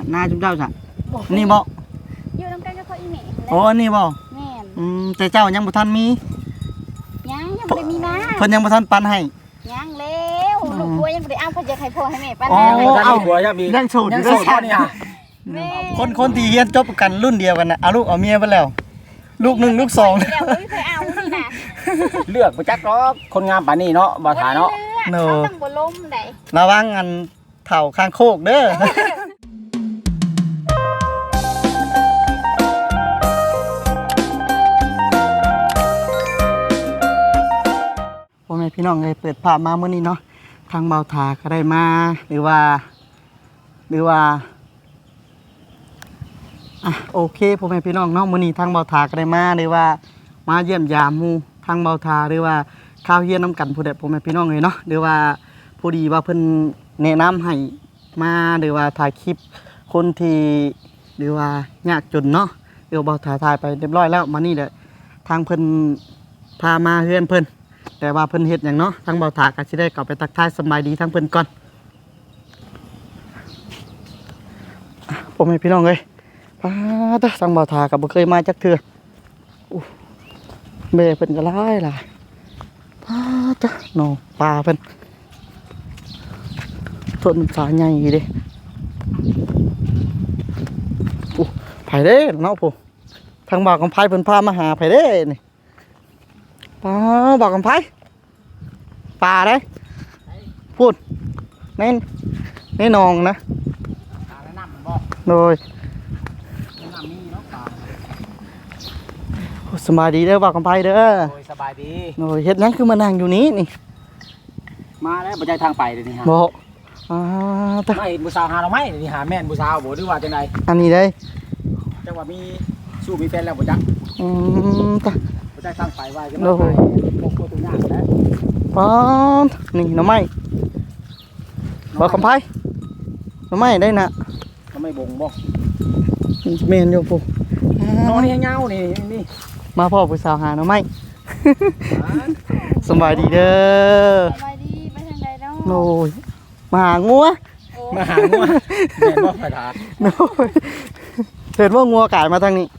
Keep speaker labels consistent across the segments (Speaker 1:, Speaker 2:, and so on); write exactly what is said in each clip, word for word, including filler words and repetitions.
Speaker 1: หน้าจุ๊บเจ้าจ้ะนี่บ่
Speaker 2: อยู่นำกันกับเขาอีแม่
Speaker 1: โอ้อันนี้บ่
Speaker 2: แม่น
Speaker 1: อืมแต่เจ้ายังบ่ทันมี
Speaker 2: ยังยังบ่ได้มีมา
Speaker 1: เพิ่นยังบ่ทันปันให้
Speaker 2: ยังแล้วลูกผัวยังบ่ได้เอาเพิ่นจะให้พ่อให้แม่ปัน
Speaker 1: อ๋อ
Speaker 2: ให้
Speaker 1: เอา
Speaker 3: ผัวยังมี
Speaker 1: ยังโสดอ
Speaker 3: ยัง
Speaker 1: ยู่
Speaker 3: โสดนี่ฮะ
Speaker 2: แม่
Speaker 1: คนคนที่เรียนจบกันรุ่นเดียวกันน่ะเอาลูกเอาเมียไปแล้วลูกหนึ่งลูกสอง
Speaker 2: แล้วบ่มีใครเอานี่น่ะ
Speaker 3: เลือกบ่จักดอกคนงามปานนี้เนาะบ่ถาเนาะ
Speaker 2: เนาะเขาต้องบ่ล้มได้
Speaker 1: ระวังอันเฒ่าข้างโคกเด้อพ่อแม่พี่น้องเลยเปิดภาพมาเมื่อนี้เนาะทางเบาถาก็ได้มาหรือว่า หรือว่าอ่ะโอเคพ่อแม่พี่น้องเนาะมื่อนี้ทางเบาถาก็ได้มาหรือว่ามาเยี่ยมยามหมู่ทางเบาถาหรือว่าข้าวเฮียนน้ำกันผู้ใดพ่อแม่พี่น้องเลยเนาะหรือว่าผู้ดีว่าเพิ่นแนะนำให้มาหรือว่าถ่ายคลิปคนที่หรือว่ายากจนเนาะเดี๋ยวเบาถาถ่ายไปเรียบร้อยแล้วมานี่แหละทางเพิ่นพามาเฮือนเพิ่นแต่ว่าเพิ่นเฮ็ดหยังเนาะทางเบาถาก็สิได้กลับไปทักทายสบายดีทางเพิ่นก่อนผมให้พี่น้องเลยป้าตะทางเบาถาก็บ่เคยมาจักเทื่ออู้แม่เพิ่นก็หลายหลายป้าตะเนาะปลาเพิ่นต้นสาใหญ่เด้อู้ไผเด้เนาะผมทางบ่าวกำไผเพิ่นพามาหาไผเด้นี่ป้าบ่าวกำไผปลาเด้พูดแน่นแน่นองนะโดยสบายดีเด้อบ่าวกำไผเด้อ
Speaker 3: โอ้ยสบายดี
Speaker 1: โดยเฮ็ดหยังคือมานั่งอยู่นี้นี่
Speaker 3: มาแล้วบ่ใจทางไปเลยนี่ฮะ
Speaker 1: บ่อ่าตะ
Speaker 3: ไม่ผู้สาวหาเราไหมนี่หาแม่นผู้สาวบ่หรือว่าจังได๋
Speaker 1: อันนี้ได้
Speaker 3: จังว่ามีสู้มีแฟนแล้วบ่จัก
Speaker 1: อืมตะ
Speaker 3: บ่ใจทางไปว่าจะมาไปบ่โคตรยากแล้ว
Speaker 1: ป้าดนี่หน่อไม้บ่าวกำไผหน่อไม้ได้น่ะ
Speaker 3: ก็ไม่บ่งบ่
Speaker 1: แม่นอยู่ปู่
Speaker 3: นอนนี่ให้เงานี่นี่
Speaker 1: มาพ่อผู้สาวหาหน่อไม้ สบายดีเด้อ
Speaker 2: สบายดีไปทางใดเนาะ
Speaker 1: โอ้ยมาหางัว
Speaker 2: โอ้
Speaker 3: มาหางัวแม่นบ่ไปถา
Speaker 1: โอ้ยเห็นว่างัวกายมาทางนี้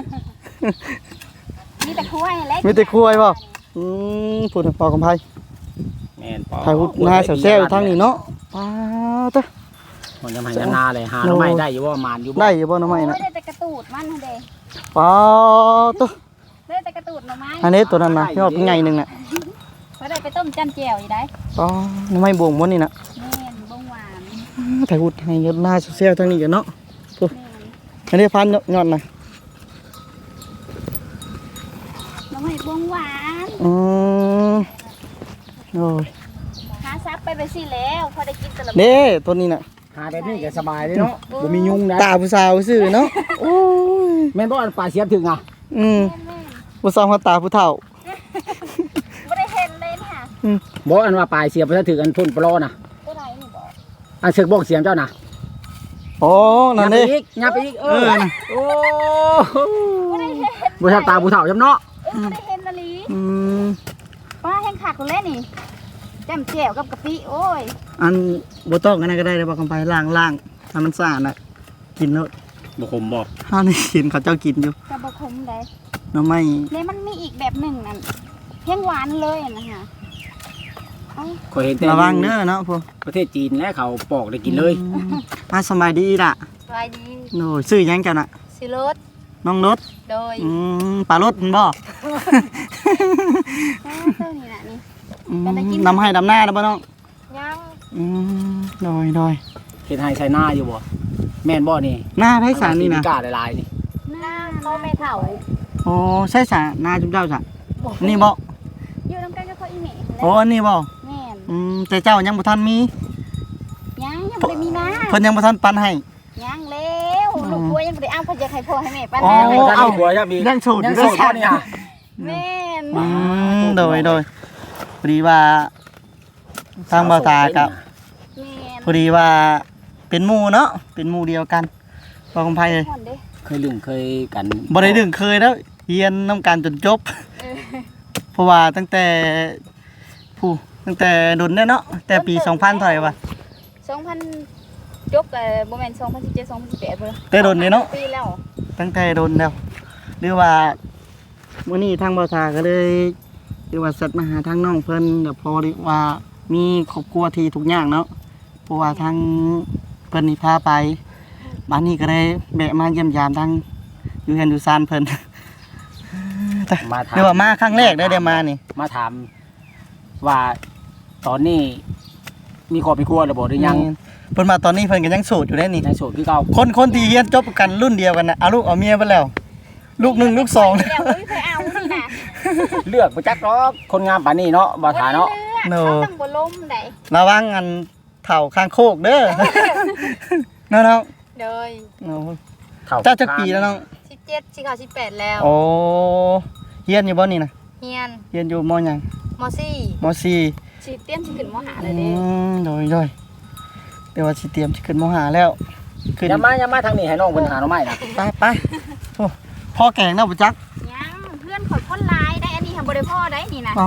Speaker 2: มีแต่คุ้ยและ
Speaker 1: มีแต่คุ้ยบ่ อืมพูดพอกำไพ
Speaker 3: แม่นปอ
Speaker 1: ถ่ายหุดหน้าแซวๆอยู่ทางนี้เนาะป้าตะ
Speaker 3: มันจะมาให้นาเลยหาหน่อไม้ได้อยู่บ่มานอยู่บ่
Speaker 1: ได้อยู่บ่หน่อไม้น่ะ
Speaker 2: ได้แต่กระตูดมันเด้
Speaker 1: ป้าตะ
Speaker 2: ได้แต่กระตูดหน่อไม้
Speaker 1: อันนี้ตัวนั้นน่ะยอดเป็นไงนึงน่ะ
Speaker 2: เขาได้ไปต้มจำแจ่วอยู่ได้
Speaker 1: ป้าหน่อไม้บวงบ่นี่น่ะ
Speaker 2: แม่นบ่หวาน
Speaker 1: ถ่ายหุดให้ยอดหน้าแซวๆทางนี้กันเนาะ
Speaker 2: แม่น
Speaker 1: อันนี้พันยอดน่ะ
Speaker 2: หน่อไม้บ่หวาน
Speaker 1: อืมโอ้ย
Speaker 2: หาซับไปไปสิแล้วพอได้กินตะละ
Speaker 1: เด้ตัวนี้น่ะ
Speaker 3: หาแบบนี้ก็สบายเด้เนาะบ่มียุงนะ
Speaker 1: ตาผู้สาวซื่อเนาะโอ้ย
Speaker 3: แม่นบ่อันปลาเสียบถึงอ่ะ
Speaker 1: อืม
Speaker 2: แม่น
Speaker 1: ผู้สาวเขาตาผู้เฒ่า
Speaker 2: ๆบ่ได้เห็นเลยค่ะ
Speaker 3: บ่อันว่าปลายเสียบบ่ถึงอันพ่นปลอน่ะ
Speaker 2: ตัวไหนนี่บ่
Speaker 3: อันสึกบอกเสียงเจ้าน่ะ
Speaker 1: โอ้นั่นเด้
Speaker 3: ยับไปอีกยับไปอีกเอ
Speaker 1: เอ
Speaker 3: อ
Speaker 1: อน่ะ
Speaker 3: โอ้
Speaker 2: บ่ได้เห็น
Speaker 3: บ่ทับตาผู้เฒ่าจำเนาะ
Speaker 2: เออบ่ได้เห็นละลี
Speaker 1: อืม
Speaker 2: ป้าแห้งคักเลยนี่จำแจ่วกับกะปิโอ้ย
Speaker 1: อันบ่ต้องอันนั้นก็ได้เลยบอกกันไปล้างๆให้มันสะอาดน่ะกินเนาะ
Speaker 3: บ่คมบ่
Speaker 1: เฮานี่กินเขาเจ้ากินอยู่
Speaker 2: กะบ่ขมได้
Speaker 1: หน่อไม้
Speaker 2: แล้วมันมีอีกแบบหนึ่งนั่นแห้งหวานเลยนะคะเอ้า
Speaker 3: ข่อยเห็นแต่
Speaker 1: ระวังเด้อเนาะพวก
Speaker 3: ประเทศจีนและเขาปอกได้กินเลย
Speaker 1: อืมอ่ะสบายดีล่ะ
Speaker 2: สบายดี
Speaker 1: โน่ซื้อหยังกันน่ะ
Speaker 2: สิรส
Speaker 1: น้องรถ
Speaker 2: โดย
Speaker 1: อืมปลารถมันบ่
Speaker 2: อ้าวเจ้านี่น่ะนี่
Speaker 1: อืม
Speaker 2: จะได้กิน
Speaker 1: นำให้ดำหน้าแล้วบ่น้อง
Speaker 2: ยัง
Speaker 1: อืมดอยดอย
Speaker 3: เฮ็ดให้ใส่หน้าอยู่บ่แม่นบ่นี่
Speaker 1: หน้าไผสารนี่นะ
Speaker 3: กล้าหลายๆนี่
Speaker 2: หน้าเขาไม่เฒ่า
Speaker 1: โอ้ใช่สารหน้าจุ๊บเจ้าจ้ะนี่บ่
Speaker 2: อยู่นำกันกับเขาอีแม่
Speaker 1: โอ้อันนี้บ่
Speaker 2: แม่น
Speaker 1: อืมแต่เจ้ายังบ่ทันมี
Speaker 2: ยังยังบ่ได้มีมา
Speaker 1: เพิ่นยังบ่ทันปันให้
Speaker 2: ยังแล้วลูกผัวยังบ่ได้เอาเพิ่นจะให้พ่อให้แม่ปัน
Speaker 1: อ๋อ
Speaker 2: ให้
Speaker 3: ท่าน
Speaker 1: เอา
Speaker 3: มีผัวยังมี
Speaker 1: ยังโสดอยู่
Speaker 3: ยังโสด
Speaker 1: เด้อ
Speaker 3: บ่นี่ฮะ
Speaker 2: แม่น
Speaker 1: อืมโดยโดยพอดีว่าทางบ่าวตากับ
Speaker 2: แม่น
Speaker 1: พอดีว่าเป็นหมู่เนาะเป็นหมู่เดียวกันบ่คำไผเลย
Speaker 2: ห่อนเด้
Speaker 3: เคยลืมเคยกัน
Speaker 1: บ่ได้ดึงเคยแล้วเรียนนํกันจนจบ
Speaker 2: เออ
Speaker 1: เพราะว่าตั้งแต่ผู้ตั้งแต่ดนเนี่ยเนาะแต่ปีสองพันเท่าไหร่วะ
Speaker 2: สองพันจบกับโมเมนต์สองพันสิบเจ็ด สองพันสิบแปดเลย
Speaker 1: แต่โดนนี่เนาะ
Speaker 2: ปีแล้ว
Speaker 1: ตั้งแต่โดนแล้วหรือว่ามื้อนี้ทางบ่าวทาก็เลยหรือว่าสัตว์มาหาทางน้องเพิ่นเดี๋ยวพอดีว่ามีครอบครัวที่ทุกอย่างเนาะเพราะว่าทางเพิ่นนี่พาไปบ้านนี้ก็ได้แบะมาเยี่ยมยามทางอยู่เฮือนอยู่ซานเพิ่น
Speaker 3: มาถาม
Speaker 1: เดี๋ยวว่ามาครั้งแรกได้ได้มานี่
Speaker 3: มาถามว่าตอนนี้มีครอบมีครัวหรือบ่หรือยัง
Speaker 1: เพิ่นมาตอนนี้เพิ่นก็ยังโสดอยู่ได้นี่
Speaker 3: ในโสดคือเก่า
Speaker 1: คนคนที่เรียนจบกันรุ่นเดียวกันน่ะเอาลูกเอาเมียไปแล้ว ลูกหนึ่งลูกสอง
Speaker 2: เดี๋ยวไม่เคยเอานี่นะ
Speaker 3: เลือกบ่จักหรอกคนงามปานนี้เนาะบ่ทาเนาะ
Speaker 1: โน
Speaker 2: เขาต้องบ่ล้มได้
Speaker 1: ระวังอันเถ่าข้างโคกเด้อ เนาะน้อง
Speaker 2: โดย
Speaker 1: เนาะ
Speaker 3: เท่า
Speaker 1: เจ้าจักปีแล้วน้อง
Speaker 2: สิบเจ็ดสิเขาสิบแปดแล้ว
Speaker 1: โอ้เฮียนอยู่บ่นี่นะ
Speaker 2: เฮียน
Speaker 1: เฮียนอยู่มหยัง
Speaker 2: มสี่
Speaker 1: มสี่
Speaker 2: สิเตี้ยนสิขึ้นมหาเล
Speaker 1: อื
Speaker 2: ยเด้
Speaker 1: มโดยโดยเดี๋ยวว่าสิเตรียมสิขึ้นมหาแล้วขึ้น
Speaker 3: อย่ามาอย่ามาทางนี้ให้น้องเพิ่นหาหน่อไม้นะ
Speaker 1: ไปไปโอ้พ่อแกงเนาะบ่จัก
Speaker 2: ยังเพื่อนขอยคนร้ายได้อันนี้ทำบริพ่อได้นี่นะ
Speaker 1: อ๋อ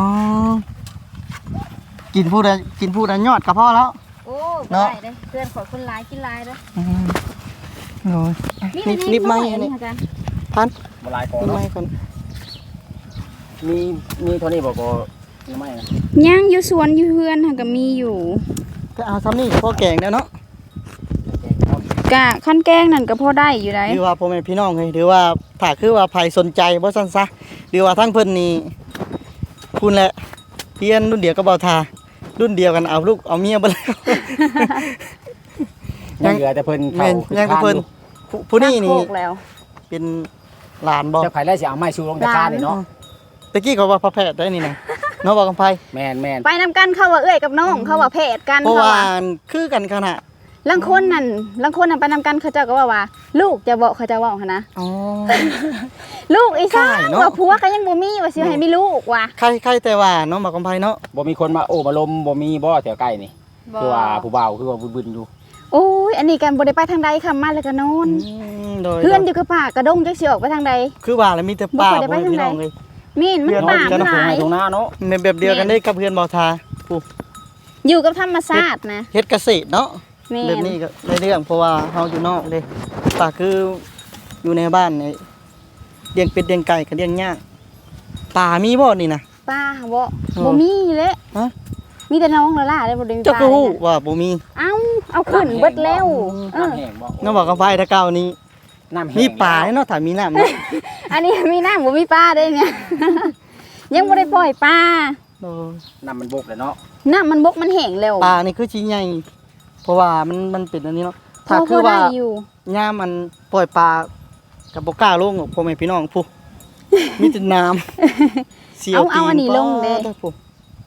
Speaker 1: กินผู้ใดกินผู้ใดยอดก็พอแล้ว
Speaker 2: โอ้
Speaker 1: เนาะ
Speaker 2: ได้เด้เพื่อนขอยคนร้ายกินร้ายเด้อ
Speaker 1: อืมโอ้ย
Speaker 2: นี่
Speaker 1: นิบนิบไม้อันนี้
Speaker 2: ค่ะกัน
Speaker 1: พัน
Speaker 3: บ่หลายพอ
Speaker 1: นิบ
Speaker 3: เนาะ
Speaker 1: ไม้ก่อน
Speaker 3: มีมีเท่านี้บ่บ่หน่อไม้นะ
Speaker 2: ยังอยู่สวนอยู่เพื่อนค่ะก็มีอยู่
Speaker 1: ก็เอาซ้ำนี่พ่อแกงแล้วเนาะ
Speaker 2: กะขั้นแกงนั่นก็พอได้อยู่ได้
Speaker 1: หรือว่าพ่อแม่พี่น้องเฮ้ยหรือว่าถ้าคือว่าใครสนใจบ่ซั่นซะหรือว่าทั้งเพิ่นนี่คุณแหละเรียนรุ่นเดียวกับเบาทารุ่นเดียวกันเอาลูกเอาเมียบ่แล้ว
Speaker 3: ยังเหลือแต่เพิ่น
Speaker 1: แม่
Speaker 3: เข้าน
Speaker 1: ยังกับเพิ่นผู้ผู้นี่นี่
Speaker 2: โคกแล้ว
Speaker 1: เป็นหลานบ่
Speaker 3: เจ้าไข่แล้วสิเอาไม้ชูลงตะกร้านี่เนาะ
Speaker 1: ตะกี้เขาว่าพระแพทย์ได้นี่นะเนาะบ่กำไผ
Speaker 3: แม่นแม่น
Speaker 2: ไปนำกันเข้าว่าเอ้ยกับน้องเข้าว่าเพศกัน
Speaker 1: เพราะ
Speaker 2: เขา
Speaker 1: ว่า
Speaker 2: ว่า
Speaker 1: คือกันขนาด
Speaker 2: ลังคนนั่นลังคนนั่นไปนำกันเขาเจ้าก็ว่าว่า ลูกจะบอกเขาจะเว่าหั่นนะ
Speaker 1: อ๋อ
Speaker 2: ลูกอีสาน
Speaker 1: ใช่เนาะ
Speaker 2: ว่าผัวก็ยังบ่มีว่าสิให้มีลูกว่ะ
Speaker 1: ใครใครแต่ว่าเนาะบ่กำไผเนาะ
Speaker 3: บ่มีคนมาโอ้มาลมบ่มีบ่แถวใกล้นี่คือว่าผู้บ่าวคือว่าบึนๆอยู่
Speaker 2: โอ้ยอันนี้กันบ่ได้ไปทางใดค่ะมาแล้วก็นอน
Speaker 1: อืมโดย
Speaker 2: เพื่อนอยู่กับป่ากระดงจักสิออกไปทางใด
Speaker 1: คือว่าแล้วมีแต่ป่า
Speaker 2: บ่ค่อยได้ไป
Speaker 1: บ่มีพี่น้อง
Speaker 2: ทางไหน
Speaker 1: เลย
Speaker 2: มีนมัน
Speaker 1: เพื่อน
Speaker 2: ป่า
Speaker 1: เพื่อน
Speaker 2: มัน
Speaker 3: ตรง
Speaker 2: ห
Speaker 3: ไหน
Speaker 2: ลาย
Speaker 3: ตรงหน้าเนาะ
Speaker 1: เป็นแบบเดียวกันได้กับเพื่อนเบาทาผู้
Speaker 2: อยู่กับธรรมชาตินะ
Speaker 1: เฮ็ดเกษตรเนาะ
Speaker 2: แม่
Speaker 1: แบบ
Speaker 2: น
Speaker 1: นี้ก็ในเรื่องเพราะว่าเฮาอยู่นอกเลยป่าคืออยู่ในบ้านนี่เลี้ยงเป็ดเลี้ยงไก่ก็เลี้ยงยากป่ามีบ่นี่นะ
Speaker 2: ป้าบ่
Speaker 1: เออ
Speaker 2: บ่มีเลย
Speaker 1: ฮะ
Speaker 2: มีแต่น้องละล่ะได้บ่ได้มี
Speaker 1: เจ้า
Speaker 2: ป้า
Speaker 1: ก็ฮู้
Speaker 2: เลยนะ
Speaker 1: ว่าบ่มี
Speaker 2: เอ้าเอาขึ้นเบิดแล้วเออ
Speaker 3: น้ำแห้งบ่
Speaker 1: น้องบอกกับไฟถ้าเก่านี้
Speaker 3: น้ำแห้ง
Speaker 1: มีป่าเนาะถ้ามีน้ำเนาะ
Speaker 2: อันนี้มีน้ำบ่มีป้าได้เนี่ย ยังบ่ได้ปล่อยป้า
Speaker 1: โอ้ย
Speaker 3: น้ำมันบกเลยเนาะ
Speaker 2: น้ำมันบกมันแห้งแล้ว
Speaker 1: ป่านี่คือชิ้นใหญ่เพราะว่ามันมันเป็นอันนี้เนาะ
Speaker 2: พ
Speaker 1: ถ้า
Speaker 2: อ
Speaker 1: คือว่า
Speaker 2: ได้อยู่
Speaker 1: ย่ามมันปล่อยปลากับบ่กล้าลงหรอกพ่อแม่พี่น้องผู้ มีแต่น้ำเสียว
Speaker 2: เอา
Speaker 1: ตี
Speaker 2: เอาอันนี้ลงเด้
Speaker 1: ปาผู้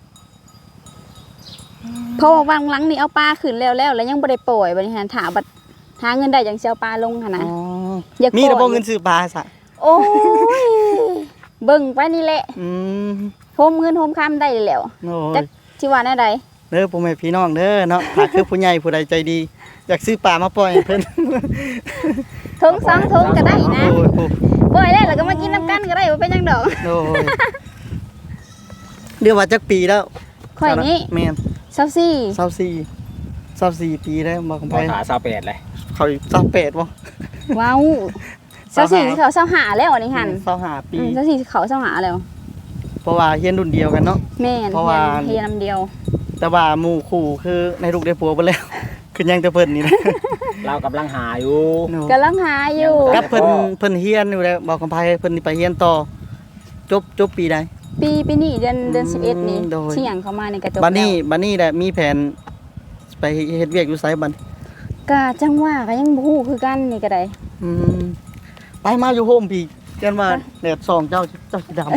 Speaker 2: เพราะว่าวางหลังนี่เอาปลาขึ้นแล้วแล้วแล้วยังบ่ได้ปล่อยบัดนี้หันถาบัดหาเงินได้จังสิเอาปลาลงหั่น
Speaker 1: อ๋
Speaker 2: นะ
Speaker 1: อ
Speaker 2: อยาก
Speaker 1: มีแต่
Speaker 2: ปล่
Speaker 1: บ่
Speaker 2: อย
Speaker 1: เงินซื้อปลาซะ
Speaker 2: โอ้ยเบิ่งไปนี่แหละ
Speaker 1: อืม
Speaker 2: โฮมเงินโฮมคำได้แล้ว
Speaker 1: โอ้
Speaker 2: จั
Speaker 1: ย
Speaker 2: กสิว่าแนวใด
Speaker 1: เด้อพ่อแม่พี่น้องเด้อเนาะถ้าคือผู้ใหญ่ผู้ใดใจดี อยากซื้อปลามาปล่อยให้เพิ่น
Speaker 2: ถุงสองถุงก็ได้นะ
Speaker 1: โอ้ยผู้
Speaker 2: ปล่อยแล้วแล้วก็มากินน้ำกันก็ได้บ่เป็นหยังดอก
Speaker 1: โอ้ยเดี๋ยวว่าจักปีแล้ว
Speaker 2: ข่อยนี่
Speaker 1: แม่น
Speaker 2: เซาซี่
Speaker 1: เศร้าสี่เศร้าสี่ปีแล้วบอกกับไป
Speaker 3: บ่ถาสาวแปดเลย
Speaker 1: เขาเศร้าแปดบ่
Speaker 2: ว้าวเซาซี่เขาเซาหาแล้วอันนี้หั่น
Speaker 1: เศร้าห้าปี
Speaker 2: อืมเซาซี่เขาเซาหาแล้ว
Speaker 1: เพราะว่าเฮียนรุ่นเดียวกันเนาะ
Speaker 2: แม่น
Speaker 1: เพราะว่า
Speaker 2: เฮียนำเดียว
Speaker 1: แต่ว่าหมู่คู่คือในลูกได้ผัวไปแล้ว คือยังแต่เพิ่นนี่นะ
Speaker 3: เรากำลังหาอยู่
Speaker 2: กำลังหาอยู่
Speaker 1: กับเพิ่นเพิ่นเฮียนอยู่แล้วบอกกับไปเพิ่นนี่ไปเฮียนต่อจบจบปีใด
Speaker 2: ปีปีนี้เดือนเดือนสิบเอ็ดนี่
Speaker 1: โดย
Speaker 2: เสี่ยงเข้ามาในกระจก
Speaker 1: บัดนี้
Speaker 2: แล้ว
Speaker 1: บัดนี้แหละมีแผนไปเฮ็ดเวียกอยู่ไสบัด
Speaker 2: กะจังว่าก็ยังบ่ฮู้คือกันนี่ก็ได้
Speaker 1: อืมไปมาอยู่โฮมพี่กันว่าแดดส่องเจ้าเจ้าสิดำ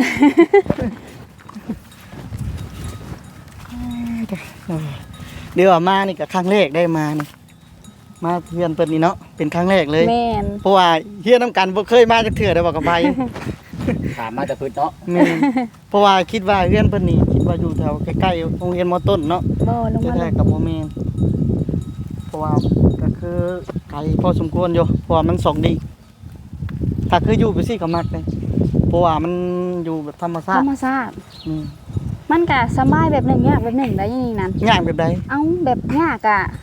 Speaker 1: เดี๋ยวมานี่ก็ครั้งแรกได้มานี่มาเฮียนเพิ่นนี่เนาะเป็นครั้งแรกเลย
Speaker 2: แม่น
Speaker 1: เพราะว่าเฮียนน้ำกันบ่เคยมาจักเทื่อได้บอกกับไป
Speaker 3: ถามมาแต่พื้นเนาะ
Speaker 1: แม่นเพราะว่าคิดว่าเฮียนเพิ่นนี่คิดว่าอยู่แถวใกล้ๆโรงเรียนมต้นเนาะ
Speaker 2: บ่ลง
Speaker 1: แต่
Speaker 2: มา
Speaker 1: แท้กับบ่แม่นเพราะว่าก็คือไกลพอสมควรอยู่เพราะว่ามันสองดีถ้าคืออยู่ไปสิก็มักเลยเพราะว่ามันอยู่แบบธรรมชา
Speaker 2: ธร
Speaker 1: ติ
Speaker 2: รมชาติ
Speaker 1: อืม
Speaker 2: มันก็สบายแบบหนึงยากแบบหนึงได้อยังนี่นั่น
Speaker 1: ย่างแบบใด
Speaker 2: เอ้าแบบยากอะ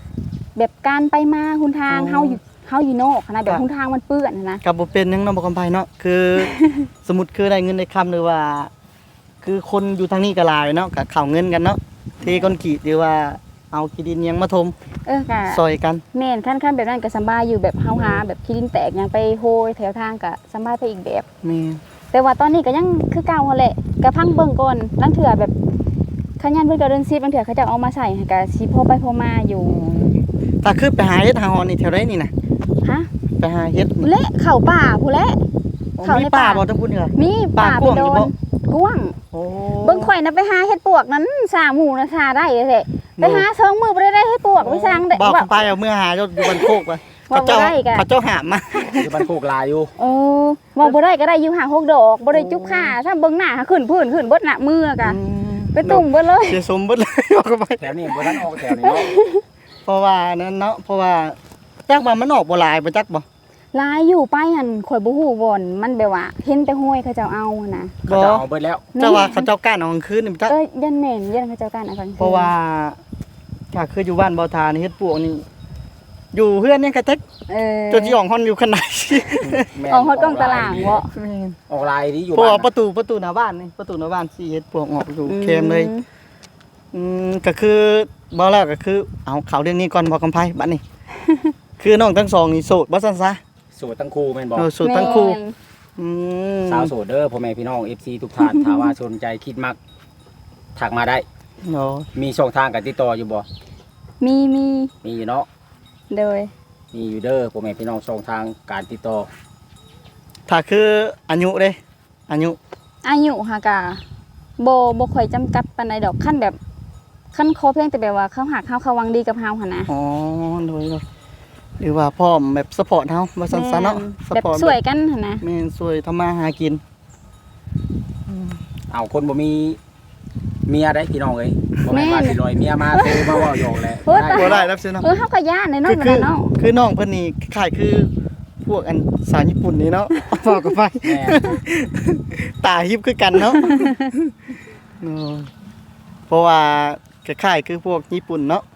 Speaker 2: แบบการไปมาหนทาง
Speaker 1: อ๋อ
Speaker 2: เฮาอยู่เฮาอยู่นอกนะแบ
Speaker 1: ครับ บ
Speaker 2: หนทางมันเปื้อนนะ
Speaker 1: กับบ่เป็นหยังเนาะบ่กำไผเนาะคือ สมมุติคือได้เงินได้คำหรือว่า คือคนอยู่ทางนี้ก็หลายเนาะก็เข้าเงินกันเนาะเทคอนกรีตหรือว่าเอาขี้ดินหยังมาถม
Speaker 2: เออกะ
Speaker 1: ซอยกัน
Speaker 2: แม่นขั้นขั้นแบบนั้นก็สำบายอยู่แบบเฮาหาแบบขี้ดินแตกหยังไปโหยแถวทางก็สำบายไปอีกแบบ
Speaker 1: แม่
Speaker 2: แต่ว่าตอนนี้ก็ยังคือเก่าหั่นแหละก็พังเบิ่งก่อนลังเถื่อแบบขยันเพิ่นก็เดินซีบลังเถื่อเขาจะเอามาใส่ให้ก็สิพอไปพอมาอยู่
Speaker 1: ถ้าคือไปหาเฮ็ดหาหอนนี่แถวใดนี่น่ะ
Speaker 2: ฮะ
Speaker 1: ไปหาเฮ็ด
Speaker 2: เละเข้าป่าผู้นแหละ เขาใน
Speaker 1: มีป่า
Speaker 2: ป่า
Speaker 1: บ่ต้องพูดเหรอ
Speaker 2: มีป่า
Speaker 1: ป่า
Speaker 2: ไป
Speaker 1: กว้าง
Speaker 2: โด
Speaker 1: อยู่
Speaker 2: น
Speaker 1: บ่
Speaker 2: กว้าง
Speaker 1: โอ้
Speaker 2: เบิ่งข่อยน่ะไปหาเฮ็ดปวกนั้นสามหมู่น่ะทาได้เลยแท้ไปหาสองมื้อบ่ได้ได้เฮ็ดปวกไปสร้างได้
Speaker 1: บอก
Speaker 2: ว่า
Speaker 1: ไปเอาเมื่อหาอยู่อยู่บนโคกไป
Speaker 2: ว่า
Speaker 1: เขาเจ้า
Speaker 2: บ่ได้กะ
Speaker 1: เขาเจ้าหามมา
Speaker 3: อยู่บ้านโคกลายอยู่
Speaker 2: เออว่าบ่ได้ก็ได้อยู่หาหกดอกบ่ได้จุ๊บขาถ้าเบิ่งหน้าหาขึ้นพื้นขึ้นเบิดหน้ามือกะไปตุ่มเบิดเลย
Speaker 1: เสียสมเบิดเลย บอกไป
Speaker 3: แถวนี้บ่ทันออกแถวนี้เนาะ
Speaker 1: เพราะว่านั้นเนาะเพราะว่าจักว่ามันออกบ่หลายบ่จักบ่
Speaker 2: ลายอยู่ไปหั่นข่อยบ่ฮู้บ่อนมันแบบว่าเห็นแต่ห้วยเขาเจ้าเอาหั่นน่ะ
Speaker 3: เขาจะเอาเบิดแล้ว
Speaker 1: เจ้าว่าเขาเจ้าก้านเอากลางคืนนี่บ่จัก
Speaker 2: เอ้ยยันแม่นยันเขาเจ้ากันเอากลางคืน
Speaker 1: เพราะว่าถ้าคืออยู่บ้านบ่ทานี่เฮ็ดปวกนี่อยู่เฮือนนี่ก็จัก
Speaker 2: เออ
Speaker 1: จนสิออกฮอนอยู่ขนาด
Speaker 3: แม่น
Speaker 2: ออกฮอดกล้องตารางบ่
Speaker 3: ออกลายนี้อยู่
Speaker 1: เพราะ
Speaker 3: บ้า
Speaker 1: ว่าน ประตูประตูหน้าบ้านนี่ประตูหน้าบ้านสิเฮ็ดปวกออกอยู่เคมเลย อืมก็คือบ่แล้วก็คือเอาข่าวเรื่องนี้ก่อนบ่กำไผบัดนี้ คือน้องทั้งสองนี่โสดบ่ซั่นซะ
Speaker 3: โสดทั้งคู่แม่นบ่
Speaker 1: เออโสดทั้งคู่
Speaker 2: แม่น
Speaker 1: อืม
Speaker 3: สาวโสดเด้อพ่อแม่พี่น้อง เอฟ ซี ทุกท่าน ถ้าว่าสนใจคิดมักทักมาได้
Speaker 1: เนาะ
Speaker 3: มีช่องทางการติดต่ออยู่บ่
Speaker 2: มีมี
Speaker 3: มีอยู่เนาะ
Speaker 2: โดย
Speaker 3: มีอยู่เด้อพ่อแม่พี่น้องช่องทางการติดต่อ
Speaker 1: ถ้าคืออายุเด้อายุ
Speaker 2: อายุหากะบ่บ่ค่อยจำกัดปานใดดอกขั้นแบบขั้นขอเพียงแต่แบบว่าเขาหักเฮาเขาหวังดีกับเฮาหั่นนะ
Speaker 1: อ๋อโดยโดยหรือว่าพร้อมแบบซัพพอร์ตเฮาว่าซั่นซะเนาะซั
Speaker 2: แบบ
Speaker 1: พอร์ต
Speaker 2: สวยกันหั่นนะ
Speaker 1: แม่นสวยทำมาหากิน
Speaker 3: เอาคนบ่มีเมียได้พี่น้องเอ้ยบ่แม่นว่าสิลอยเมียมาโทรมาเว้าหยอกแหละ
Speaker 2: โอ้ย
Speaker 1: บ่ได้รับเสียเนาะ
Speaker 2: เออเฮาก็ย่านเลยเนาะ
Speaker 1: คือ
Speaker 2: นั่น
Speaker 1: คือ
Speaker 2: น่ะเนาะ
Speaker 1: คือน้องเพิ่นนี่คล้ายๆคือพวกอันสาวญี่ปุ่นนี่เนาะ บอกกันไป
Speaker 3: แม่น
Speaker 1: ตาฮิบคือกันเนาะ เนาะเพราะว่าคล้ายๆคือพวกญี่ปุ่นเนาะ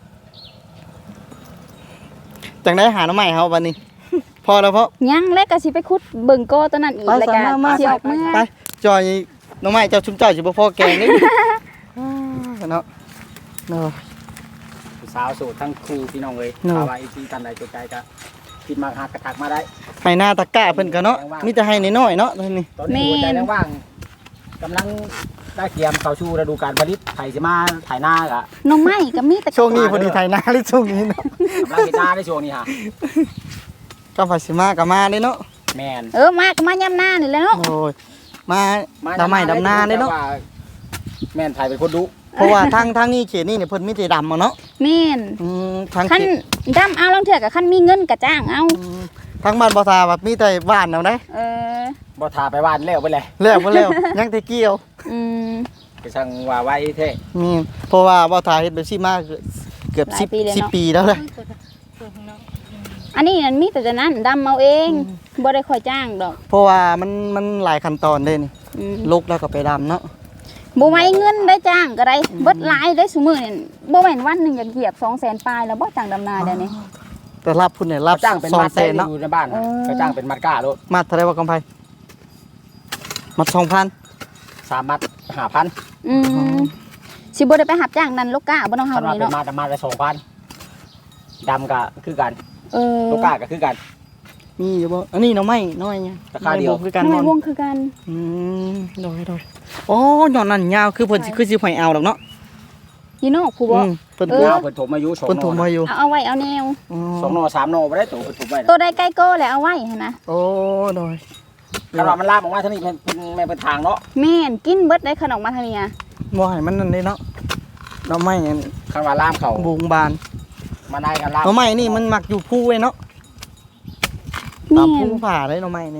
Speaker 1: จังได้หาหน้ำใหม่เฮาวันนี้ พอแล้วเพราะ
Speaker 2: ยังแล้วก็สิไปขุดเบิ่งโกตัวนั้นอีก
Speaker 1: ไป
Speaker 2: แล้ว
Speaker 1: สา
Speaker 2: ก็
Speaker 1: มารถมา
Speaker 2: สิออกเมื่อ
Speaker 1: ไปจอยหน้ำใหม่เจ้าชุมเจ้าสิบ่พอแกง นี่ เนาะเนาะ
Speaker 3: สาวโสดทั้งคู่พี่น้องเอ้ย
Speaker 1: เนาะ
Speaker 3: ถ้าว่า เอฟ ซี ท่านใดสนใจก็คิดมักหักก็ทักมาได้
Speaker 1: ให้หน้าตะกร้าเพิ่นก็เนาะมีแต่ให้น้อยๆเนาะตอนนี้
Speaker 3: ตอนนี้หัวใจว่างๆกำลังได้เตรียมเข้าสู่ฤดูกาลผลิตไถสิมาไถนาก็
Speaker 2: หน้องไม้ก็มีแต่
Speaker 1: ช่วงนี้พอดีไทยนาหรือช่วงนี้เนาะ
Speaker 3: กำลังเฮ็ดนาในช่วงนี้ฮะ
Speaker 1: ก็ภาษีมาก็มาเด้เนาะ
Speaker 3: แม่น
Speaker 2: เออมาก็มายามหน้านี่แหละเนาะ
Speaker 1: โอ้ยมาดำไม้ดำนาเด้เนาะ
Speaker 3: แต่ว่แม่นไผเป็นคนดุ
Speaker 1: เพราะว่าทางทางนี้เขตนี่เนี่ยเพิ่นมีแต่ดำเอาเนาะ
Speaker 2: แม่น
Speaker 1: อืมทาง
Speaker 2: คัน
Speaker 1: เขต
Speaker 2: ดำเอาลองเถื่อกับคันมีเงินก็จ้างเอา
Speaker 1: อืมทางบ้านบ่ทาแบบมีแต่บ้านเอาได้
Speaker 2: เออ
Speaker 3: บ่ทาไปบ้านแล้วไปเลย
Speaker 1: แล้วบ่แล้ว ยังแต่เกี่ยว
Speaker 2: อืม
Speaker 3: ก็ช่างว่าไว้แท้
Speaker 1: มีเพราะว่าบ่ทาเฮ็ดแบบซี่มาเกือบ
Speaker 2: หลาย
Speaker 1: สิบ
Speaker 2: ปีเลยเนาะ
Speaker 1: สิบปีแล้วเลย
Speaker 2: อันนี้นั่นมีแต่จะนั้นดำเอาเองบ่ได้ค่อยจ้างดอก
Speaker 1: เพราะว่ามันมันหลายขั้นตอนเด้นี่
Speaker 2: อืม
Speaker 1: ลุกแล้วก็ไปดำเนาะ
Speaker 2: บ่ไหวเงินได้จ้างก็ได้เบิดหลายได้ซุมื้อนี่บ่แม่นวันหนึงอยากเหยียบ สองแสน ปลายแล้วบ่จ้างดำนาเดี๋ยวนี้
Speaker 1: แต่รับพุ่นเนี่ยรับ
Speaker 3: จ้างเป็น
Speaker 1: สอง
Speaker 3: มัด
Speaker 1: แสนเนาะ
Speaker 3: อยู่ในบ้าน
Speaker 2: เออ
Speaker 3: ก็จ้างเป็นมัดก้าโลด
Speaker 1: มาเท่าไหร่ว่ากำไผมาสองพัน
Speaker 3: สามมัดห้าพัน
Speaker 2: อืมสิบ่ได้ไปรับจ้างนั่นลูกก้าบ่ต้องเฮา
Speaker 3: คันว่า
Speaker 2: นี่
Speaker 3: เป็น
Speaker 2: เนาะ
Speaker 3: มัดมัดละสองพันดำก็คือกัน
Speaker 2: เออ
Speaker 3: ลูกก้าก็คือกัน
Speaker 1: มีอยู่บ่อันนี้เนาะไม่น้อยไง
Speaker 3: ราคาเดียว
Speaker 1: ไม่บ่คือกัน
Speaker 2: ทำไม
Speaker 1: นอน
Speaker 2: วงคือกัน
Speaker 1: อืมโดยโดยโอ้ยอดนั่นยาวคือเพิ่นสิคือสิหอยเอาดอกเนาะ
Speaker 2: อยู่นอกผู้บ่
Speaker 1: อืมเพิ่น
Speaker 2: เอ
Speaker 1: ปลู
Speaker 2: อ
Speaker 1: ก
Speaker 3: เอาเพิ่นถมอายุสอง
Speaker 1: เพิ่น
Speaker 3: ห
Speaker 1: ถูก
Speaker 3: น่อ
Speaker 1: มาอยู่
Speaker 2: เอาเอาไว้เอาแนว
Speaker 1: อ๋อ
Speaker 3: สองหน่อสามหน่อบ่ได้ตัวเพิ่นถมไว้
Speaker 2: ตัวใดใกล้โก้แล้วเอาไว้หั่นนะ
Speaker 1: โอ้โดย
Speaker 3: คันว่ามันลามออกมาเท่านี้เพิ่นเพิ่นแม่นเป็นทางเนาะ
Speaker 2: แม่นกินเบิดได้ขนมมาทางนี้อะ
Speaker 1: บ่ให้มันนั่นเด้เนาะดอกไม้อัน
Speaker 3: คันว่าลามเขา
Speaker 1: บูงบาน
Speaker 3: มาได้กันลาม
Speaker 1: ดอกไม้นี่มันมักอยู่ภูไว้เนาะตา
Speaker 2: แม่
Speaker 1: มภู
Speaker 2: น
Speaker 1: ผาได้ดอกไม้นี่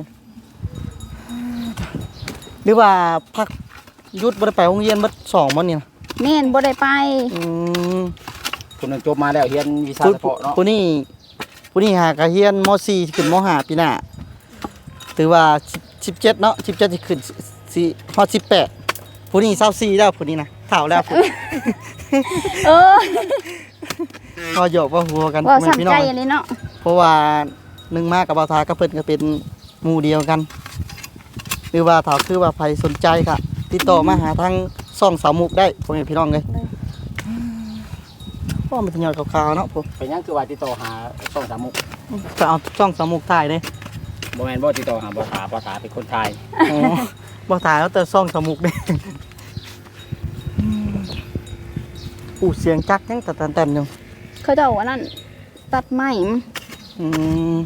Speaker 1: หรือว่าพักหยุดบ่ได้ไปโรงเรียนเบิดสองมื้อนี่นะ
Speaker 2: แม่นบ่ได้ไป
Speaker 1: อืม
Speaker 3: คนหนึงจบมาแล้วเรียนวิชา
Speaker 1: ผู้
Speaker 3: เฉพาะเนาะ
Speaker 1: ผู้นี้ผู้นี้หากะเรียนม สี่ ขึ้นม ห้า ปีหน้าถือว่าสิบเจ็ดเนาะสิบเจ็ดสิขึ้นสิฮอดสิบแปดผู้นี้ยี่สิบสี่แล้วผู้นี้นะเฒ่าแล้วผู้
Speaker 2: เออ
Speaker 1: ก็หยอกว่าหัวกัน
Speaker 2: ว่า
Speaker 1: แม่
Speaker 2: สำ
Speaker 1: พี่น้
Speaker 2: ใจ
Speaker 1: อง
Speaker 2: อันนี้เนาะ
Speaker 1: เพราะว่าหนึ่งมากับบ่าวทาก็เพิ่นก็เป็นหมู่เดียวกันหรือว่าถ้าคือว่าใครสนใจก็ติดต่อมาหาทางซ่องสาวมุกได้พ่อแม่พี่น้องเลยพ่อมันจะหยอดขาวๆเนาะผม
Speaker 3: เป็นหยังคือว่าติดต่อหาช่องสามมุก
Speaker 1: จะเอาซ่องสาวมุกถ่ายเด้
Speaker 3: บ่แม่นบ่ติดต่อหาบ่ถาบ่ถาเป็นคนไทย
Speaker 1: อ๋อบ่ถ่ายแล้วแต่ซ่องสาวมุกเด้อู้เสียงจักยังแต่แต่นๆอยู่
Speaker 2: เขาเจ้าว่านั่นตัดไม้
Speaker 1: อืม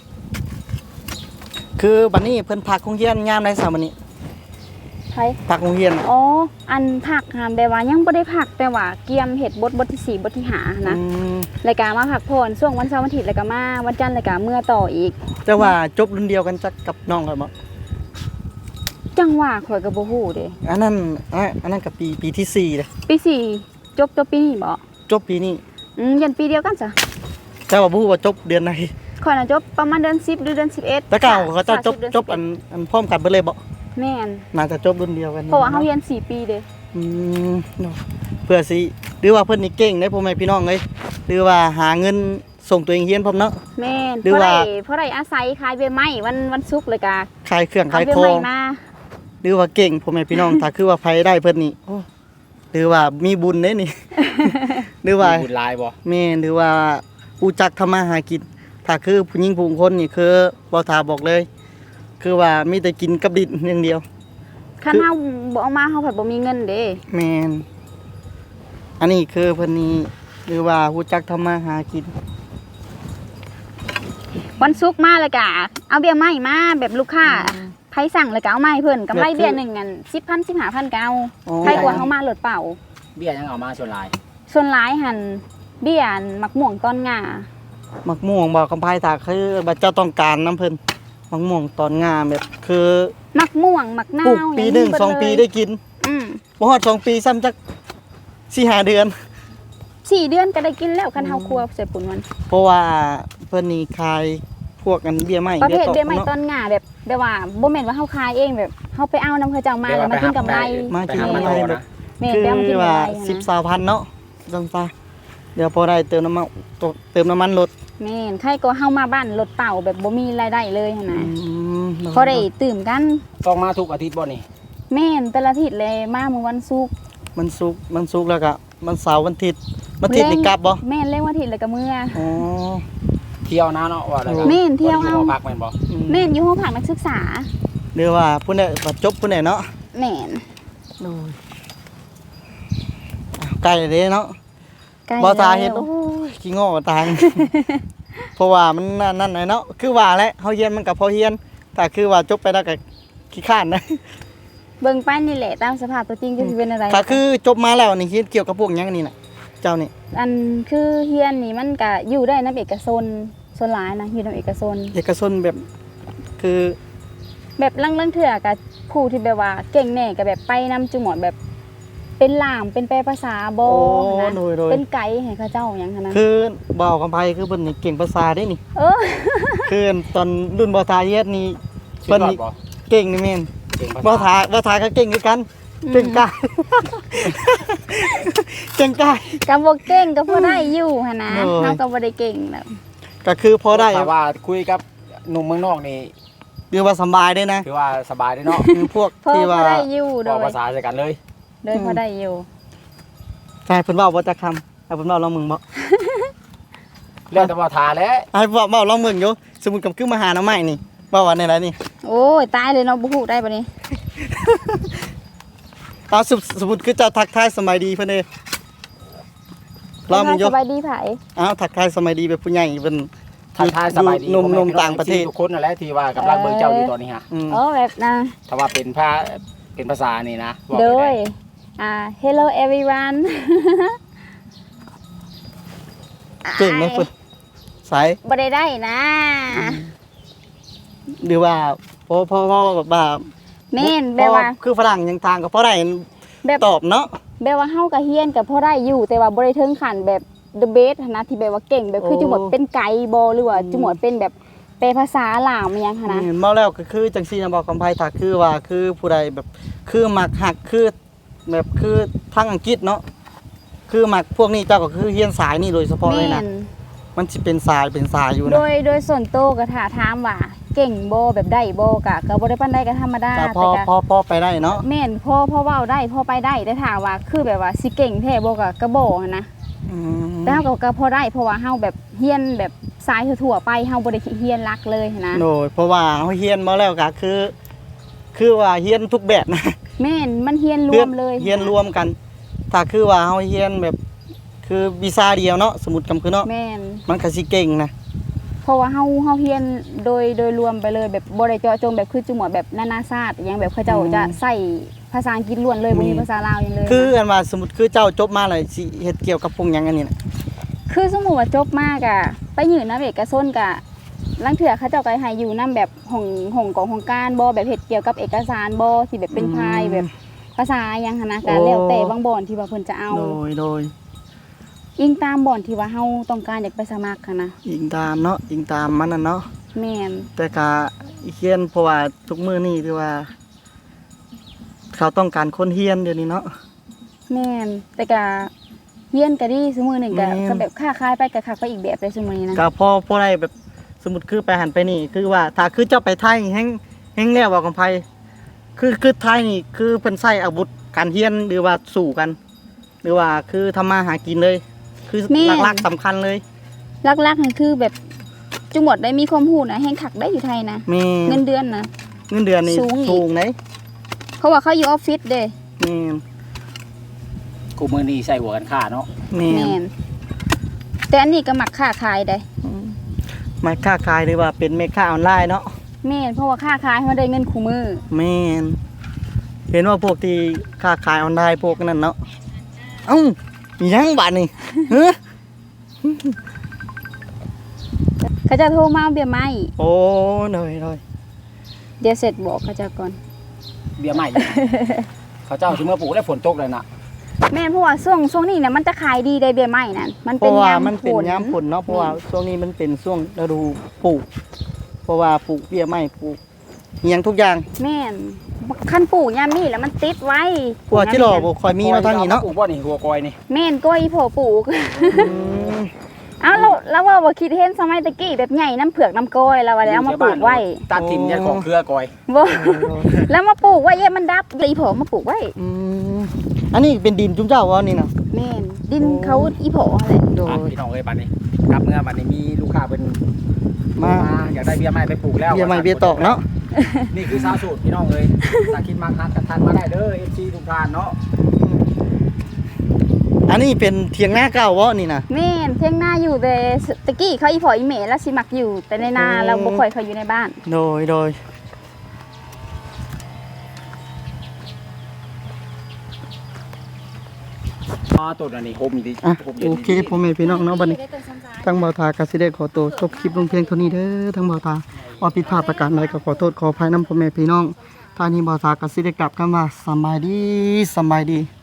Speaker 1: คือบัดนี้เพิ่นพักโรงเรียนยามใดซะบัดนี้
Speaker 2: ไผ
Speaker 1: พักโรงเรียนน่ะ
Speaker 2: อ๋ออันผักหามแบบว่ายังบ่ได้ผักแต่ว่าเกียมเฮ็ดบทบทที่สี่บทที่ห้านะ
Speaker 1: อืม
Speaker 2: รายการมาพักผ่อนช่วงวันเสาร์วันอาทิตย์แล้วก็มาวันจันทร์แล้วก็เมื่อต่ออีก
Speaker 1: แต่ว่าจบรุ่นเดียวกันจักกับน้องกันบ่
Speaker 2: จังหวะข่อยก็บ่ฮู้เด้
Speaker 1: อันนั้นอันอันนั้นกับปีปีที่สี่เลย
Speaker 2: ปีสี่จบจบปีนี้บ่
Speaker 1: จบปีนี้
Speaker 2: อืมยันปีเดียวกันจ้ะ
Speaker 1: แต่ว่าบ่ฮู้ว่าจบเดือนไหน
Speaker 2: ข่อยน่ะจบประมาณเดือนสิบหรือเดือนสิบเอ็ด
Speaker 1: แต่เก่าเขาเจะจบ
Speaker 2: สมสิเดืน
Speaker 1: จบอันอันพร้อมกันเบิดเลยบ่
Speaker 2: แม่น
Speaker 1: น่าจะจบรุ่นเดียวกัน
Speaker 2: เพราะว่าเฮาเรียนสี่ปีเด้
Speaker 1: อืมเนาะเพื่อสิหรือว่าเพิ่นนี่เก่งได้พ่อแม่พี่น้องเอ้ยหรือว่าหาเงินส่งตัวเองเรียนพร้อมเนาะ
Speaker 2: แม่น
Speaker 1: หรือ
Speaker 2: เพราะ
Speaker 1: ว่า
Speaker 2: ได้เพราะได้อาศัยขายใบไม้วันวันศุกร์เลยก็
Speaker 1: ขายเครื่อง
Speaker 2: เอา
Speaker 1: ขาย
Speaker 2: ใบ
Speaker 1: ขอ
Speaker 2: ไม้
Speaker 1: ง
Speaker 2: มา
Speaker 1: หรือว่าเก่งพ่อแม่พี่น้อง ถ้าคือว่าไผได้เพิ่นนี่โอ้หรือว่ามีบุญเด้นี่ หรือว่า
Speaker 3: มีบุญหลายบ่
Speaker 1: แม่นหรือว่ารู้จักทำมาหากินถ้าคือผู้หญิงผู้คนนี่คือบ่ทาบอกเลย คือว่ามีแต่กินกับดินอย่างเดียว
Speaker 2: คันเฮาบ่เอามาเฮาผัดบ่มีเงินเด้
Speaker 1: แม่นอันนี้คือเพิ่นนี่หรือว่ารู้จักทำมาหากิน
Speaker 2: วันศุกร์มาแล้วก็เอาเบี้ยไม้มาแบบลูกค้าไผสั่งแล้วก็เอามาให้เพิ่นกำไรเบี้ยหนึงอันสิบพัน สิบห้าพันก็เอา
Speaker 1: อ๋อ
Speaker 2: ใครกว่าเฮามารถเปล่า
Speaker 3: เบี้ยยังเอามาส่วนหลาย
Speaker 2: ส่วนหลายหันเบี้ยอันมักม่วงต้นงา
Speaker 1: มักม่วงบอกกำไพถ้าคือบัดเจ้าต้องการน้ำเพิ่นมักม่วงตอนงามแบบคือ
Speaker 2: มักม่วงมักนา
Speaker 1: ปลูก
Speaker 2: ว
Speaker 1: ปีหนึ่ง
Speaker 2: ย่า
Speaker 1: สอง
Speaker 2: เบิ
Speaker 1: ปี
Speaker 2: เลย
Speaker 1: ได้กิน
Speaker 2: อืม
Speaker 1: บ่ฮอดสองปีซ้ำจักสี่ห้าเดือน
Speaker 2: สี่เดือนก็ได้กินแล้วคันเฮาครัวใส่ปุ่นมัน
Speaker 1: เพราะว่าเพิ่นนี่ขายพวกกันเบี้ยไม้
Speaker 2: ประเภท
Speaker 1: ตก
Speaker 2: เบี้ยไม้
Speaker 1: เนาะ
Speaker 2: ต้นงาแบบแบบว่าบ่แม่นว่าเฮาขายเองแบบเฮาไปเอานำเขาเจ้ามาแล้วมากินกำไร
Speaker 1: มากิน
Speaker 3: ไปห
Speaker 1: กำไร
Speaker 3: ต่อ
Speaker 1: แบบ
Speaker 3: นะ
Speaker 2: แม่น
Speaker 1: คือ
Speaker 2: ไปเอามากินกำ
Speaker 1: ว่า
Speaker 2: ไร
Speaker 1: สิบ
Speaker 2: นะ
Speaker 1: สามพันเนาะจังซะเดี๋ยวพอได้เติมน้ำมันเติมน้ำมันรถ
Speaker 2: แม่นใครก็เฮามาบ้านรถเปล่าแบบบ่มีรายได้เลยหั่น
Speaker 1: อื
Speaker 2: นะ
Speaker 1: ม
Speaker 2: พอได้ตื่มกัน
Speaker 3: ต้องมาทุกอาทิตย์บ่นี่
Speaker 2: แม่นแต่ละอาทิตย์เลยมาเมื่อวันศุกร์
Speaker 1: มันสุกร์มันสุกร์แล้วก็มันเสาร์วันอาทิตย์วันอาทิตย์นี่กลับบ่
Speaker 2: แม่นเล่นวันอาทิตย์แล้วก็เมื่อ
Speaker 1: อ๋อ
Speaker 3: เที่ยวนะเนาะว่าแล้วก็
Speaker 2: แม่นเที่ยวเอา
Speaker 3: บ่ได้อยู่หอพักแม่นบ่
Speaker 1: อืม
Speaker 2: แม่นอยู่ห้องพักนักศึกษา
Speaker 1: หรือว่าผู้ใดบัดจบผู้ใดเนาะ
Speaker 2: แม่น
Speaker 1: โอ้ยอ้าวใกล้เด้เนาะ
Speaker 2: ใกล้
Speaker 1: บ่ตาเฮ็ด
Speaker 2: แล้ว
Speaker 1: โอ้ยขี้ง้อตาง เพราะว่ามันนั่นนั่นน่ะเนาะคือว่าแหละเฮาเรียนมันก็พอเรียนแต่คือว่าจบไปแล้วก็ขี้ข้านนะ
Speaker 2: เบิ่งไปนี่แหละตามสภาพตัวจริงจะสิเป็นอะไร
Speaker 1: ถ้าคือจบมาแล้วนี่คิดเกี่ยวกับพวกหยังนี่น่ะเจ้านี่
Speaker 2: อันคือเฮียนนี่มันก็อยู่ได้นํเอกชนส่วนหลายนะอยู่นํเอกชน
Speaker 1: เอกชนแบบคือ
Speaker 2: แบบลังลังๆเถื่อกับผู้ที่แบบว่าเก่งแน่ก็แบบไปนำจุหมอดแบบเป็นล่ามเป็นแปลภาษาบ่
Speaker 1: โอ้
Speaker 2: นะ
Speaker 1: โดยโดย
Speaker 2: เป็นไกด์ให้เขาเจ้าหยังหั้นนะ
Speaker 1: คือบ่าวกำไพคือเพิ่นนี่เก่งภาษาได้นี่
Speaker 2: เออ
Speaker 1: คือตอนรุ่นบ่าวทาเฮ็ดนี่
Speaker 3: สุด
Speaker 1: เพิ่น
Speaker 3: ยอด
Speaker 1: นี่
Speaker 3: บ่
Speaker 1: เก่งนี่แม่น
Speaker 3: เก่งภา
Speaker 1: บ่าว
Speaker 3: ษา
Speaker 1: ทาบ่าวทาก็เก่งคือกันเก่งกาย เก่งกาย
Speaker 2: กับบ่เก่งก็พอได้อยู่หั่นนะ
Speaker 1: โอ้ย
Speaker 2: เฮาก็บ่ได้เก่งแล้ว
Speaker 1: ก็คือพอได้
Speaker 3: ถ้าว่าคุยกับหนุ่มเมืองนอกนี่
Speaker 1: เรียกว่าสำบายได้นะ
Speaker 3: ถือว่าสบายเด้เนาะ
Speaker 1: คือพวก
Speaker 2: พอ
Speaker 1: ที่
Speaker 2: พอ
Speaker 1: ว่า
Speaker 2: ได้อยู่โด
Speaker 3: บอก
Speaker 2: ย
Speaker 3: ภาษาใส่กันเลย
Speaker 2: โดยพอได้อยู่
Speaker 1: ใช่เพิ่นเว้าบ่จักคำให้เพิ่นเว้าลองมึงบ่
Speaker 3: เรื่องแต่ว่าทาแล้ว
Speaker 1: ให้เว้าเว้าลองมึงอยู่สมมุติกับคือมาหาหน้าใหม่นี่เว้าว่าในไรนี่
Speaker 2: โอ้ยตายเลยเนาะบ่ฮู้ได้บัดนี้
Speaker 1: เอาสมสมมุติคือเจ้าทักทายสมัยดีเพิ่นเด้ลองมึงอยู่
Speaker 2: สบายดีไผ
Speaker 1: อ้าวทักทายสมัยดีแบบผู้ใหญ่เพิ่น
Speaker 3: ทักทายสบายดี
Speaker 1: หนุ่มๆต่างประเทศ
Speaker 3: ทุกคนนั่นแหละที่ว่ากำลังเบิ่งเจ้าอยู่ตอนนี้ฮะ
Speaker 1: อืม
Speaker 2: อ๋อแบบนะ
Speaker 3: ถ้าว่าเป็นภาเป็นภาษานี่นะบอก
Speaker 2: โด
Speaker 3: ไป
Speaker 2: ย
Speaker 3: ได้
Speaker 2: อ่า hello everyone
Speaker 1: เก่งนะเพิ่นสาย
Speaker 2: บ่ได้ได้นะ
Speaker 1: หรือว่าพอพอพอแบบว่า
Speaker 2: แม่นแบบว่า
Speaker 1: พอคือฝรั่งยังทางก็พอได้
Speaker 2: แบบ
Speaker 1: ตอบเนาะ
Speaker 2: แบบว่าเฮากับเฮียนกับพอได้อยู่แต่ว่าบ่ได้ถึงขั้นแบบ the best หั้นนะที่แบบว่าเก่งแบบคือ
Speaker 1: โอ้
Speaker 2: จุหมดเป็นไกด์บ่หรือว่าจุหมดเป็นแบบแปลภาษาลาวมันหยังหั้นนะ
Speaker 1: อืมเมาแล้วก็คือจังซี่นะบอกคำไผถ้าคือว่าคือผู้ใดแบบคือมักฮักคือแบบคือทางอังกฤษเนาะคือมักพวกนี้เจ้าก็คือเฮียนสายนี่โดยเฉพาะเลย
Speaker 2: แม่
Speaker 1: นะ
Speaker 2: น
Speaker 1: มันสิเป็นสายเป็นสายอยู่
Speaker 2: โด
Speaker 1: นะ
Speaker 2: ยโดยส่วนโตวก็ถ้าถามว่าเก่งบ่แบบได้บ่ก็ก็บ่ได้ปานใดก็ธรรมดา
Speaker 1: ก็พ
Speaker 2: แต่
Speaker 1: อ
Speaker 2: ก็
Speaker 1: พอพอไปได้เนาะ
Speaker 2: แม่นพอพอเว้าได้พอไปได้แต่ถ้าว่าคือแบบว่าสิเก่งแท้บ่ก็ก็บ่หั้นนะ
Speaker 1: อืม
Speaker 2: แต่เฮาก็ก็พอได้เพราะว่าเฮาแบบเฮียนแบบสายทั่วๆไปเฮาบ่ได้เฮียนรักเลยหั้นนะ
Speaker 1: โดยเพราะว่าเฮาเฮียนมาแล้วก็คือ คือว่าเฮียนทุกแบบนะ
Speaker 2: แม่นมันเฮียนรวมเลย
Speaker 1: เฮียนรวมกัน ถ้าคือว่าเฮาเฮียนแบบ คือวิชาเดียวเนาะสมมุติกำคือเนาะ
Speaker 2: แม่น
Speaker 1: มันก็สิเก่งนะ
Speaker 2: เพราะว่าเฮาเฮาเฮียนโดยโดยรวมไปเลยแบบบ่ได้เจาะจงแบบคือจุหมวดแบบนานาชาติอหยังแบบเขาเจ้าจะใส่ภาษาอังกฤษล้วนเลยบ่มีภาษาลาวหยังเลยนะ
Speaker 1: คืออันว่าสมมุติคือเจ้าจบมาแล้วสิเฮ็ดเกี่ยวกับพวกหยังอันนี้นะ
Speaker 2: คือสมมุติว่าจบมากอะไปยืนนำเอกชนกะลังเถื่อเขาเจ้าก็ให้อยู่นํแบบห้องห้องกองของการบ่แบบเฮ็ดเกี่ยวกับเอกสารบ่ที่แบบเป็นพายแบบภาษาหยังหันนะก็แล้วแต่บางบ่อนที่ว่าเพิ่นจะเอา
Speaker 1: โดยโดย
Speaker 2: อิงตามบ่อนที่ว่าเฮาต้องการอยากไปสมัครหันนะ
Speaker 1: อิงตามเนาะอิงตามมันน่ะเนาะ
Speaker 2: แม่น
Speaker 1: แต่ก็เฮียนเพราะว่าทุกมื้อนี้คือว่า เขาต้องการคนเฮียนเดี๋ยวนี้เนาะ
Speaker 2: แม่นแต่ก็เฮียนก็ดีซุมื้อหนึงก็
Speaker 1: แม่น
Speaker 2: ก็แบบค้าขายไปก็คักไปอีกแบบเลยซุมื้อนี้นะ
Speaker 1: ก็พอพอได้แบบสมมุติคือไปหันไปนี่ คือว่าถ้าคือเจ้าไปไทยแฮงแฮงแล้วว่ากับไผคือคือไทยนี่คือเพิ่นใช้อาวุธการเฮียนหรือว่าสู้กัน หรือว่าคือทำมาหากินเลย คือหลักๆสำคัญเลย
Speaker 2: หลักๆนี่คือแบบจังหวัดได้มีความรู้นะแห่งคักได้อยู่ไทยนะ
Speaker 1: แม่
Speaker 2: เงินเดือนนะ
Speaker 1: เงินเดือนนี่
Speaker 2: สูงอีก
Speaker 1: สูงไหน
Speaker 2: เพราะว่าเขาอยู่ออฟฟิศเด้
Speaker 1: แม่น
Speaker 3: กูมือนี้ใส่หัวกันฆ่าเนาะ
Speaker 1: แม่
Speaker 2: แม่
Speaker 1: น
Speaker 2: นแต่อันนี้ก็มักค้าขายได้
Speaker 1: มาค้าขายหรือว่าเป็นแม่ค้าออนไลน์เนาะ
Speaker 2: แม่นเพราะว่าค้าขายเขาได้เงินคู่มือ
Speaker 1: แม่นเห็นว่าพวกที่ค้าขายออนไลน์พวกนั้นเนาะเอ้ามีหยังบาดนี่ เฮ้อ
Speaker 2: เขาจะโทรมาเอาเบี้ยไม้
Speaker 1: โอ้เลยเลย
Speaker 2: เดี๋ยวเสร็จบอกเขาจะก่อน
Speaker 3: เบี้ยใหม่ เขาเจ้าสิเมื่อปลูกแล้วฝนตกเลยน่ะ
Speaker 2: แม่นเพราะว่าช่วงช่วงนี้เนี่ยมันจะขายดีได้เบี้ยไม้นั่นมัน
Speaker 1: เพ
Speaker 2: เป็น
Speaker 1: ราะว่าย
Speaker 2: าม
Speaker 1: มันเป็น
Speaker 2: ฝน
Speaker 1: ยามฝนเนาะเพราะว่าช่วงนี้มันเป็นช่วงฤดูปลูก เพราะว่าปลูกเบี้ยไม้ปลูกอิหยังทุกอย่าง
Speaker 2: แม่นขั้นปลูกยามนี้แล้วมันติดไว้
Speaker 1: พวกที่หล่อบ่ค่อยมีมาทางนี้เนาะ
Speaker 3: ปลูกบ่นี่หัวกอยนี่
Speaker 2: แม่นก้อยอีโผปลูก
Speaker 1: อืม
Speaker 2: เอ้าเราเราว่าบ่คิดเห็นสมัยตะกี้แบบใหญ่น้ำเผือกน้ำก้อยแล้วว่าแล้วเอามาปลูกไว้
Speaker 3: ตัดทิมเนี่ยของเครือกอย
Speaker 2: บ่แล้วมาปลูกไว้เอ๊ะมันดับอีโผมาปลูกไว้
Speaker 1: อืมอันนี้เป็นดินจุ้มเจ้าวะนี่นะ
Speaker 2: แม่นดินเขาอีโผอะไร
Speaker 1: โด
Speaker 3: อ่ะ
Speaker 1: ย
Speaker 3: พี่น้องเอ้ยบัดนี้กลับเมื่อบัดนี้มีลูกค้าเป็น
Speaker 1: มา
Speaker 3: อยากได้เบี้ยใหม่ไปปลูกแล้ว
Speaker 1: เบี้ยไม้เบี้ยตอกเนาะ
Speaker 3: นี่คือสาวสูตรพี่น้องเอ้ยถ้าคิดมาคัดกันทันมาได้เด้อ เอฟ ซี ทุกท่านเนาะ
Speaker 1: อันนี้เป็นเทียงหน้าเก่าวะนี่นะ
Speaker 2: แม่นเที่ยงหน้าอยู่แต่ตะกี้เขาอีโผอีเหมแล้วสิมักอยู่ แต่ในนา
Speaker 1: อืม
Speaker 2: เราบ่ค่อยเขาอยู่ในบ้าน
Speaker 1: โดยโดย
Speaker 3: อ๋อตัวนี้โฮมดี
Speaker 1: อ่ะ
Speaker 3: โฮมเย็น
Speaker 1: โอเคพ่อแม่พี่น้องเนาะบัดนี้ทั้งเบาตากสิได้ขอตัวจบคลิปลงเพียงเท่านี้เด้อทั้งเบาตาว่าผิดพลาดประการใดก็ขอโทษขออภัยนำพ่อแม่พี่น้องท่านี้เบาตากสิได้กลับกันว่าสำบายดีสำบายดี